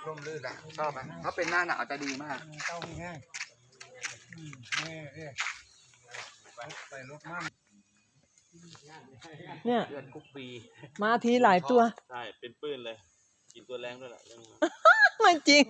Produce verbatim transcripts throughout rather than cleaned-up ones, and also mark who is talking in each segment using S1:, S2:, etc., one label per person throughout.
S1: ร่มรื่นแหละชอบไหมถ้าเป็นหน้าหนาวจะดีมาก
S2: เต้ามีแห้งนี่นี่ใส่รถมั่น
S3: เนี่ย
S4: เดือนกุ๊กปี
S3: มาทีหลายตัว
S4: ใช่เป็นปื้นเลยกินตัวแรงด้วยแหละเรื่อง
S3: ไม่จริง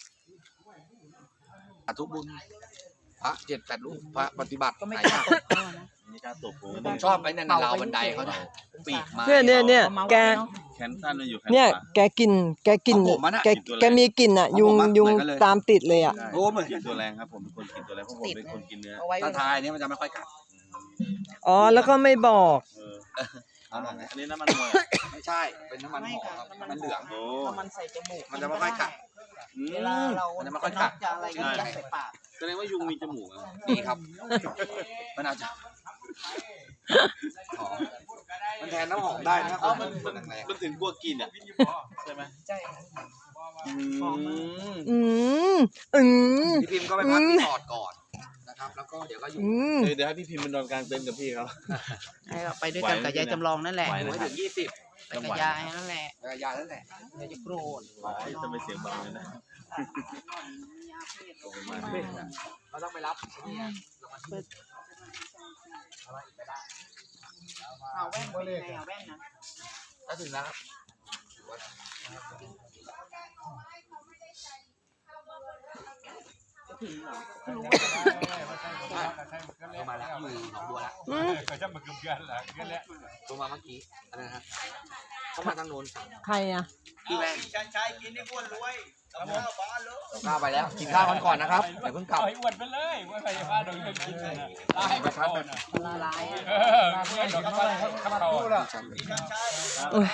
S1: ทุกบุญพระเจ็ดแปดรูปพระปฏิบัติก็ไม่กล้าตก
S4: นี่การตบผม
S1: ผมชอบไอ้นั่นราวบันไดเขาเนี่ยปีกมา
S3: เนี่ยเนี่ยเนี่ยแก
S4: แขนสั้นอยู่
S3: เนี่ยแกกินแกกินแกแกมีกลิ่นอ่ะยุงยุงตามติดเลยอ่ะ
S1: โอ้เหมือน
S4: กินตัวแรงครับผมเป็นคนกินตัวแรงเพราะผมเป็นคนกินเนื้อ
S1: ถ้าทายเนี่ยมันจะไม่ค่อยกัด
S3: อ๋อแล้วก็ไม่บอก
S4: อันนี้น้ำมันมวย
S1: ไม่ใช่เป็นน้ำมันหอครับมันเหลือง
S4: โอ้
S5: มันใส่จมูก
S1: มันจะไม่ค่อยกัด
S5: เวลาเรา
S1: มันจะไม่ค่อยกัด
S5: จะอะไรก็ยัดใส่ปาก
S4: แสดงว่ายุงมีจมูก
S1: นี่ครับมันอาจจะหอมมันแทนน้ำหอมได้นะ
S4: มันมันถึงกลัวกินอ่ะใช่ไหม
S5: ใช่
S3: อืมอืม
S1: พี่พิมก็ไปพักที่ปอดก่อนนะครับแล้วก็เดี๋ยวก็อยู่
S4: เดี๋ยวให้พี่พิมพ์มันนอนกลางเต็นท์กับพี่เขา
S5: ไปด้วยกันกับยายจำลองนั่นแหละ
S1: ไว้ถึงยี่สิบ
S5: ไปกับยายนั่นแหละ
S1: ไปกับยายนั่นแหละ
S5: ยายจะโกรธ
S4: จะไม่เสียงเบาเลยนะ
S1: เราต้องไปรับ
S5: เอาแว่นไปเลยเอาแว่นนะ
S1: ก็ถึงแล้วมาแล้วอยู่หนองบัวแล้ว
S2: เขาจะมาเกือบกันแหละกันแล้ว
S1: ตัวมาเมื่อกี้อะไรนะเขามาทางโน้น
S3: ใครอ่ะ
S1: พี่แม่
S5: ชันชัยกินให้อ้วนรวยเอาข้าวบ้านเลย
S1: ข้าวไปแล้วกินข้าวกันก่อนนะครับเดี๋ยวเพิ่งกลับ
S2: อ้วนไปเลยว่าใครจะพาโดนกินเลยนะตายไปเขาน่ะ
S5: ละลาย
S2: เออเพื่อนดอกเขาเขาเขาพูดอ่ะ
S3: โอ้ย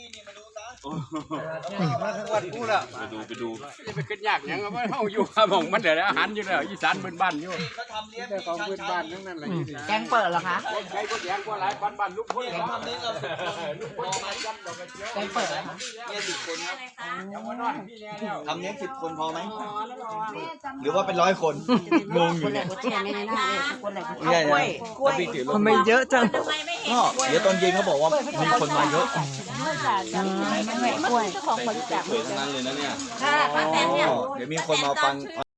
S2: วันพูดอ่ะ
S4: ไปดูไปดู
S2: จะไปขึ้นยากยังก็ไม่เอาอยู่ข้าวหมองมันเดี๋ยวอาหารอยู่แล้วอีสานพื้นบ้านอยู่แต่ของพื้นบ้านทั้งนั้นเลย
S5: แกงเปิดเหรอคะ
S2: ใครก็แยงก็หลายบ้านบ้านลูกพ่อทำนี้เรา
S5: แกงเปิดเหรอคะ
S1: เนี่ยสิบคนครับทำเนี้ยสิบคนพอไหมหรือว่าเป็นร้อยคนงงอยู่เนี่ย
S5: กล้วยกล้วย
S3: ทำไมเยอะจัง
S1: ก็เดี๋ยวตอนเย็นเขาบอกว่ามีคนมาเยอะ
S5: ไม่ไม่กล้วยเจ้าของบริจาค
S4: สวยทั้งนั้นเลยนะเนี่ย
S5: ค่ะป้าแตนเนี่ย
S1: เดี๋ยวมีคนมาฟัง